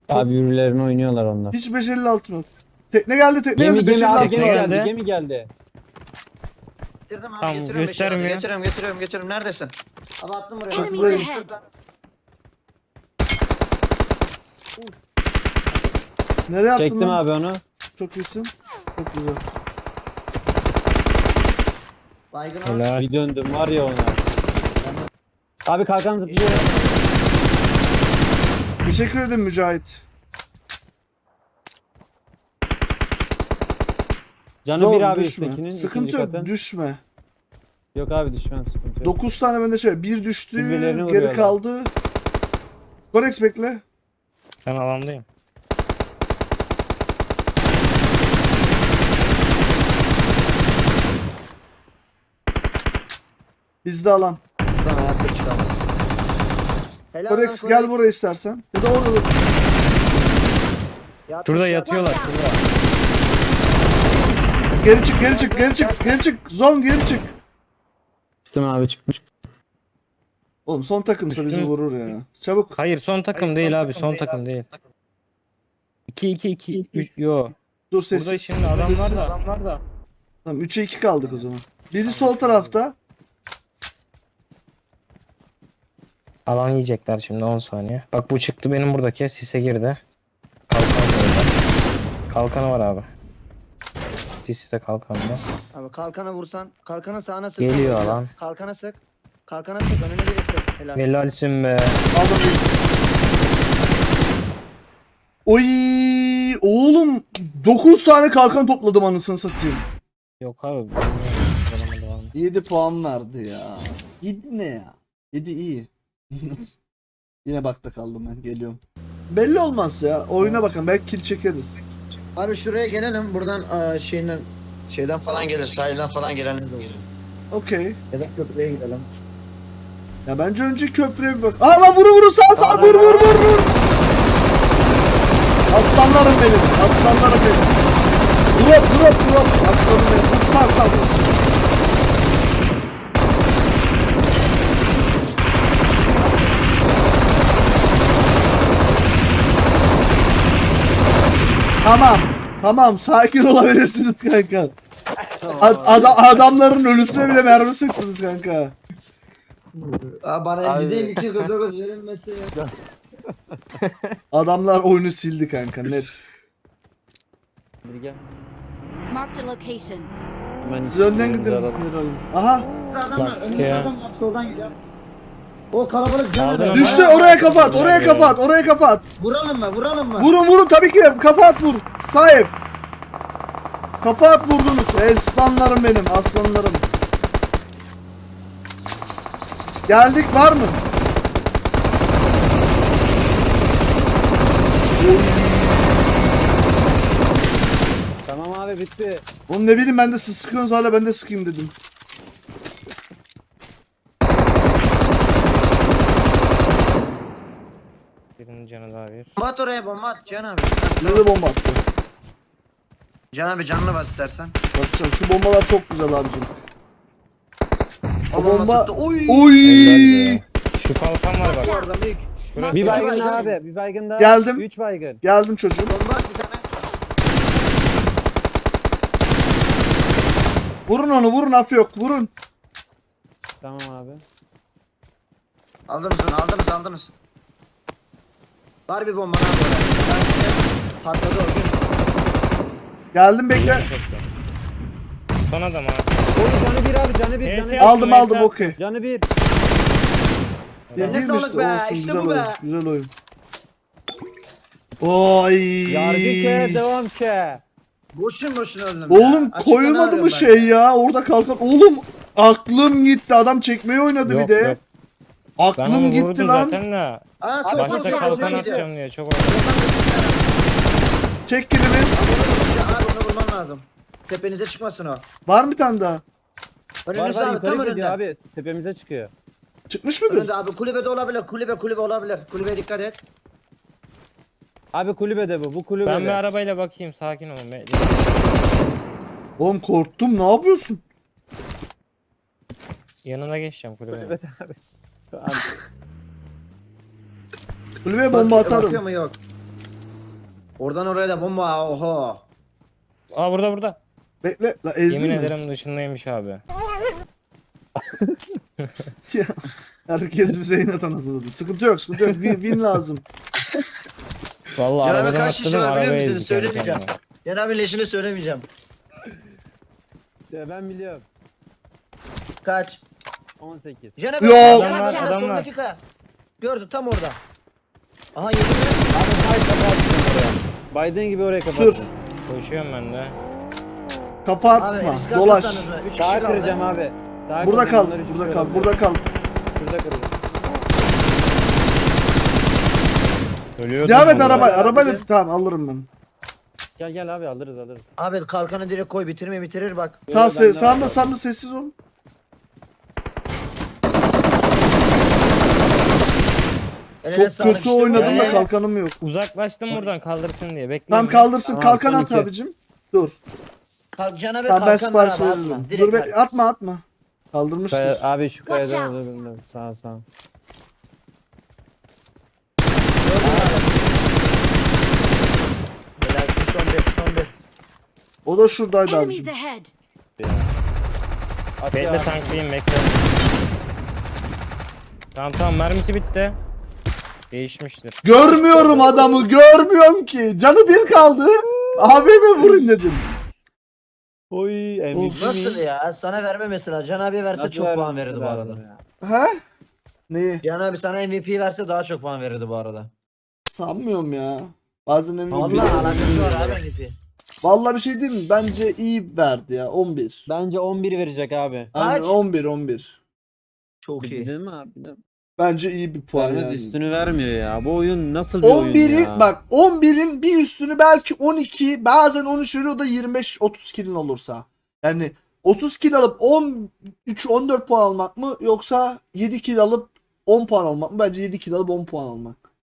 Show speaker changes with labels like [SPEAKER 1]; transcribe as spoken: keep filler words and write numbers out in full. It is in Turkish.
[SPEAKER 1] Abi yürülerini oynuyorlar onlar.
[SPEAKER 2] Hiç beş elli altı yok. Tekne geldi, tekne
[SPEAKER 1] Gemi
[SPEAKER 2] geldi.
[SPEAKER 1] gemi abi
[SPEAKER 2] beş elli altı
[SPEAKER 1] gemi
[SPEAKER 2] lazım.
[SPEAKER 1] geldi. Gemi geldi.
[SPEAKER 3] Getirdim abi,
[SPEAKER 4] Tamam,
[SPEAKER 3] getiriyorum beşi, hadi.
[SPEAKER 4] göstermiyor.
[SPEAKER 3] Getiriyorum getiriyorum getiriyorum. Neredesin? Abi attım buraya.
[SPEAKER 2] Enemies
[SPEAKER 5] Enemies
[SPEAKER 2] Buradayım.
[SPEAKER 5] ahead.
[SPEAKER 2] Nereye attın
[SPEAKER 1] Çektim
[SPEAKER 2] lan?
[SPEAKER 1] abi onu.
[SPEAKER 2] Çok iyisin. Çok güzel.
[SPEAKER 3] Baygın var.
[SPEAKER 4] Helal.
[SPEAKER 1] Bir döndüm var ya ona. Abi kalkan zıplıyor.
[SPEAKER 2] Teşekkür ederim Mücahit.
[SPEAKER 1] Canı
[SPEAKER 2] Zor,
[SPEAKER 1] bir abi
[SPEAKER 2] düşme.
[SPEAKER 1] üsttekinin.
[SPEAKER 2] Sıkıntı
[SPEAKER 1] ikinci
[SPEAKER 2] yok,
[SPEAKER 1] katın.
[SPEAKER 2] düşme.
[SPEAKER 1] Yok abi düşmem sıkıntı yok.
[SPEAKER 2] dokuz tane bende şey. Bir düştü,
[SPEAKER 1] Kulübelerini
[SPEAKER 2] geri
[SPEAKER 1] vuruyorlar.
[SPEAKER 2] kaldı. Korex bekle.
[SPEAKER 4] Ben alandayım.
[SPEAKER 2] Bizde alan.
[SPEAKER 3] Tamam, ayakta çıkalım. Helal lan
[SPEAKER 2] Korex gel buraya istersen. Ya da orada dur.
[SPEAKER 3] Yatmış,
[SPEAKER 4] Şurada
[SPEAKER 3] yatmış.
[SPEAKER 4] yatıyorlar.
[SPEAKER 5] Watch
[SPEAKER 4] Şurada.
[SPEAKER 2] Geri çık, geri çık, geri çık, geri çık. Zon geri çık.
[SPEAKER 1] Çıktım abi çıkmış.
[SPEAKER 2] Oğlum son takımsa bizi
[SPEAKER 4] Düştü.
[SPEAKER 2] vurur ya. Çabuk.
[SPEAKER 4] Hayır son takım değil abi. Son takım değil. iki iki iki üç yo.
[SPEAKER 2] Dur
[SPEAKER 4] Burada
[SPEAKER 2] sessiz.
[SPEAKER 4] şimdi adamlar
[SPEAKER 2] Sessiz.
[SPEAKER 4] da adamlar da.
[SPEAKER 2] Tamam üçe iki kaldık o zaman. Biri sol tarafta.
[SPEAKER 4] Alan yiyecekler şimdi on saniye. Bak bu çıktı benim buradaki sise girdi. Kalkan var orada. Kalkanı var abi. Siste kalkanı var.
[SPEAKER 3] Abi kalkana vursan, kalkana sağına sık.
[SPEAKER 4] Geliyor alan.
[SPEAKER 3] Kalkana sık. Kalkana sık, önüne biri sık. Helal.
[SPEAKER 4] Helalsin be.
[SPEAKER 2] Aldım bir. Oy oğlum dokuz tane kalkan topladım anasını satayım.
[SPEAKER 4] Yok abi. bilmiyorum.
[SPEAKER 2] yedi puan verdi ya. yedi ne ya? yedi iyi. Yine bakta kaldım ben, geliyorum. Belli olmaz ya. Oyuna bakın, belki kill çekeriz.
[SPEAKER 3] Abi şuraya gelelim, buradan aa, şeyden şeyden falan gelir, sahilden falan gelenler de gelir.
[SPEAKER 2] Okey.
[SPEAKER 3] Ya da köprüye gidelim.
[SPEAKER 2] Ya bence önce köprüye bir bak. Aa lan vuru vuru sağ sağ vur vur vur vur. Aslanlarım benim. Aslanlarım benim. Drop drop drop. Aslanım benim. Vur sağ sağ vur. Tamam. Tamam sakin olabilirsiniz kanka. Ad- ada- adamların ölüsüne bile mermi sıktınız kanka.
[SPEAKER 3] Aa, bana
[SPEAKER 1] Abi.
[SPEAKER 3] bize iki kırk dokuz verilmesi ya.
[SPEAKER 2] Adamlar oyunu sildi kanka net.
[SPEAKER 1] Bir gel.
[SPEAKER 5] Marked a location.
[SPEAKER 1] Hemen
[SPEAKER 2] Siz önden gidin.
[SPEAKER 1] alalım.
[SPEAKER 2] Aha
[SPEAKER 3] Adamlar
[SPEAKER 4] Bak,
[SPEAKER 3] önümüzde
[SPEAKER 4] ya.
[SPEAKER 3] adam var, soldan gidiyor. O kalabalık canı
[SPEAKER 4] Aldın
[SPEAKER 3] da.
[SPEAKER 4] ama.
[SPEAKER 2] düştü, oraya kapat, oraya kapat, oraya kapat.
[SPEAKER 3] Vuralım mı? Vuralım mı?
[SPEAKER 2] Vurun vurun tabii ki, kafa at vur. Sahip. Kafa at vurdunuz. Aslanlarım benim, aslanlarım. Geldik, var mı?
[SPEAKER 1] Tamam abi bitti.
[SPEAKER 2] Oğlum ne bileyim, ben de siz sıkıyorsunuz hala, ben de sıkayım dedim.
[SPEAKER 4] Birinin canı daha bir.
[SPEAKER 3] Bomba at oraya, bomba at Can abi.
[SPEAKER 2] Nerede bomba attı?
[SPEAKER 3] Can abi canını bas istersen.
[SPEAKER 2] Basacağım. Şu bombalar çok güzel abicim. O bomba...
[SPEAKER 3] tuttu. Oy.
[SPEAKER 2] Oy!
[SPEAKER 4] Helal be. Şu kalkan var bak.
[SPEAKER 3] Orada büyük.
[SPEAKER 4] Şurası.
[SPEAKER 1] Bir
[SPEAKER 5] Bir
[SPEAKER 1] baygın
[SPEAKER 5] baygın.
[SPEAKER 1] daha abi. Bir baygın daha.
[SPEAKER 2] Geldim.
[SPEAKER 1] Üç baygın.
[SPEAKER 2] Geldim çocuğum.
[SPEAKER 3] Bomba at bir tane.
[SPEAKER 2] Vurun onu, vurun, af yok, vurun.
[SPEAKER 1] Tamam abi.
[SPEAKER 3] Aldınız onu, aldınız aldınız. Var bir bomba abi oraya. Patladı o gün.
[SPEAKER 2] Geldim, bekle.
[SPEAKER 4] Son adam abi.
[SPEAKER 1] Oğlum canı bir abi canı bir
[SPEAKER 4] Neyse
[SPEAKER 1] canı bir.
[SPEAKER 4] ya.
[SPEAKER 2] Aldım aldım, okey.
[SPEAKER 1] Canı bir.
[SPEAKER 2] Ya
[SPEAKER 3] Eline
[SPEAKER 2] değil mi
[SPEAKER 3] sağlık
[SPEAKER 2] işte,
[SPEAKER 3] be,
[SPEAKER 2] olsun,
[SPEAKER 3] işte
[SPEAKER 2] güzel
[SPEAKER 3] bu
[SPEAKER 2] oyun,
[SPEAKER 3] be.
[SPEAKER 2] güzel oyun. Oy.
[SPEAKER 1] Yargı ke devam ke.
[SPEAKER 3] Boşun boşuna öldüm
[SPEAKER 2] Oğlum
[SPEAKER 3] ya. Açıkta
[SPEAKER 2] koymadı
[SPEAKER 3] ne
[SPEAKER 2] mı
[SPEAKER 3] arıyorum
[SPEAKER 2] şey
[SPEAKER 3] ben
[SPEAKER 2] ya? Orada kalkan. Oğlum aklım gitti. Adam çekmeyi oynadı
[SPEAKER 4] Yok,
[SPEAKER 2] bir de.
[SPEAKER 4] yok. Ben
[SPEAKER 2] Aklım
[SPEAKER 4] onu
[SPEAKER 2] gitti
[SPEAKER 4] vurdum
[SPEAKER 2] lan.
[SPEAKER 4] zaten de.
[SPEAKER 3] Aa, sol, sol,
[SPEAKER 4] Başta
[SPEAKER 3] sol,
[SPEAKER 4] kalkan
[SPEAKER 3] sol, sol.
[SPEAKER 4] atacağım diye çok oynadım.
[SPEAKER 2] Çek kilimi.
[SPEAKER 3] Abi onu vurman lazım. Tepenize çıkmasın o.
[SPEAKER 2] Var mı bir tane daha?
[SPEAKER 1] Var
[SPEAKER 3] Önünüzde
[SPEAKER 1] var
[SPEAKER 3] abi, tam
[SPEAKER 1] yukarı gidiyor
[SPEAKER 3] önünde.
[SPEAKER 1] abi. Tepemize çıkıyor.
[SPEAKER 2] Çıkmış mıdır?
[SPEAKER 3] Önünde abi, kulübede olabilir, kulübe kulübe olabilir. Kulübeye dikkat et.
[SPEAKER 1] Abi kulübede bu. Bu
[SPEAKER 4] Ben bir
[SPEAKER 1] kulübede.
[SPEAKER 4] arabayla bakayım, sakin olun. Be-
[SPEAKER 2] Oğlum korktum. Ne yapıyorsun?
[SPEAKER 4] Yanına geçeceğim kulübeye.
[SPEAKER 1] Kulübede abi. Abi,
[SPEAKER 2] Kulübeye bomba
[SPEAKER 3] Bak-
[SPEAKER 2] atarım.
[SPEAKER 3] Bakıyor mu yok. Oradan oraya da bomba. Oho.
[SPEAKER 4] Aa burada burada.
[SPEAKER 2] Bekle. La ezdin
[SPEAKER 4] Yemin
[SPEAKER 2] mi?
[SPEAKER 4] ederim dışındaymış abi.
[SPEAKER 2] Ya, herkes bize inat anasını. Sıkıntı yok, sıkıntı yok. Win, win lazım.
[SPEAKER 4] Vallahi
[SPEAKER 3] Ya abi
[SPEAKER 4] arabadan
[SPEAKER 3] kaç kişi
[SPEAKER 4] atladım
[SPEAKER 3] var biliyor
[SPEAKER 4] arabaya
[SPEAKER 3] musun?
[SPEAKER 4] ezdik kendi
[SPEAKER 3] Söylemeyeceğim.
[SPEAKER 4] kendime.
[SPEAKER 3] Yan abi leşini söylemeyeceğim.
[SPEAKER 1] Ya ben biliyorum.
[SPEAKER 3] Kaç?
[SPEAKER 1] on sekiz.
[SPEAKER 3] Yan abi.
[SPEAKER 2] Yo.
[SPEAKER 3] Yan
[SPEAKER 4] Adam var,
[SPEAKER 3] abi,
[SPEAKER 4] adam
[SPEAKER 3] sondaki
[SPEAKER 4] var.
[SPEAKER 3] kaya. Gördü tam orada. Aha yedi mi?
[SPEAKER 1] Abi Biden kapattın oraya. Biden gibi oraya
[SPEAKER 2] Sür.
[SPEAKER 1] kapattın.
[SPEAKER 4] Koşuyorum ben de.
[SPEAKER 2] Kafa
[SPEAKER 3] Abi
[SPEAKER 2] atma.
[SPEAKER 3] risk
[SPEAKER 2] Dolaş.
[SPEAKER 3] alırsanız mı? Üç kişi
[SPEAKER 1] Sağa
[SPEAKER 3] kaldı.
[SPEAKER 1] kıracağım abi. Sağa
[SPEAKER 2] Burada
[SPEAKER 1] kıracağım,
[SPEAKER 2] kal.
[SPEAKER 1] bunları üç
[SPEAKER 2] Burada
[SPEAKER 1] kişi
[SPEAKER 2] kal.
[SPEAKER 1] olabilir.
[SPEAKER 2] Burada kal.
[SPEAKER 1] Şurada kıracağım.
[SPEAKER 4] Ölüyordum.
[SPEAKER 2] Devam et
[SPEAKER 4] vallahi.
[SPEAKER 2] araba.
[SPEAKER 1] Arabayla
[SPEAKER 2] Arabayla
[SPEAKER 1] gidelim.
[SPEAKER 2] tamam alırım ben.
[SPEAKER 1] Gel gel abi alırız alırız.
[SPEAKER 3] Abi kalkanı direkt koy bitirme bitirir bak.
[SPEAKER 2] Sağ
[SPEAKER 1] Yo,
[SPEAKER 2] se
[SPEAKER 1] bende
[SPEAKER 2] sağında
[SPEAKER 1] var.
[SPEAKER 2] sağında sessiz ol.
[SPEAKER 3] Eline
[SPEAKER 2] Çok
[SPEAKER 3] sağlık
[SPEAKER 2] kötü
[SPEAKER 3] işte bu.
[SPEAKER 2] oynadım da
[SPEAKER 3] Ee,
[SPEAKER 2] kalkanım yok.
[SPEAKER 4] Uzaklaştım buradan kaldırsın diye. Bekleyin.
[SPEAKER 2] Tamam
[SPEAKER 4] ben.
[SPEAKER 2] kaldırsın.
[SPEAKER 1] Tamam,
[SPEAKER 2] Kalkan
[SPEAKER 1] son
[SPEAKER 2] at
[SPEAKER 1] iki.
[SPEAKER 2] abicim. Dur.
[SPEAKER 3] Kal- Can abi
[SPEAKER 2] Tamam ben
[SPEAKER 3] kalkan var
[SPEAKER 2] sipariş
[SPEAKER 3] abi atma.
[SPEAKER 2] veririm.
[SPEAKER 3] Direkt
[SPEAKER 2] Dur
[SPEAKER 3] ver.
[SPEAKER 2] be, atma atma. Kaldırmıştır.
[SPEAKER 1] Kaya, abi şu
[SPEAKER 5] Watch
[SPEAKER 1] kayadan
[SPEAKER 5] out.
[SPEAKER 1] alırım ben. Sağ sağ.
[SPEAKER 3] Helal, son bir son bir.
[SPEAKER 2] O da şuradaydı
[SPEAKER 5] Enemies
[SPEAKER 2] abicim.
[SPEAKER 5] ahead.
[SPEAKER 1] At
[SPEAKER 4] Bekle
[SPEAKER 1] ya.
[SPEAKER 4] tanklayayım bekle. Tamam tamam mermisi bitti. Değişmiştir.
[SPEAKER 2] Görmüyorum adamı. Görmüyorum ki. Canı bir kaldı. Abime vurun dedim.
[SPEAKER 1] Oy M V P
[SPEAKER 3] Nasıl
[SPEAKER 1] mi?
[SPEAKER 3] ya? Sana verme mesela. Can abi verse
[SPEAKER 1] Nasıl
[SPEAKER 3] çok
[SPEAKER 1] vermem,
[SPEAKER 3] puan verirdi bu
[SPEAKER 1] vermem
[SPEAKER 3] arada.
[SPEAKER 1] ya?
[SPEAKER 2] He? Neyi?
[SPEAKER 3] Can abi sana M V P verse daha çok puan verirdi bu arada.
[SPEAKER 2] Sanmıyorum ya. Bazen en iyi
[SPEAKER 3] Vallahi
[SPEAKER 2] bir-
[SPEAKER 3] alakası var abi M V P.
[SPEAKER 2] Vallahi bir şey diyeyim mi? Bence iyi verdi ya. on bir.
[SPEAKER 1] Bence on bir verecek abi.
[SPEAKER 2] Aynen
[SPEAKER 3] Kaç?
[SPEAKER 2] on bir on bir.
[SPEAKER 3] Çok iyi.
[SPEAKER 1] Değil mi abi?
[SPEAKER 2] Bence iyi bir puan
[SPEAKER 1] Vermez
[SPEAKER 2] yani.
[SPEAKER 1] üstünü vermiyor ya. Bu oyun nasıl bir oyun
[SPEAKER 2] on biri
[SPEAKER 1] ya?
[SPEAKER 2] bak on birin bir üstünü belki on iki bazen on üç veriyor, o da yirmi beş otuz kilin olursa. Yani otuz kill alıp on üç on dört puan almak mı yoksa yedi kill alıp on puan almak mı? Bence yedi kill alıp on puan almak.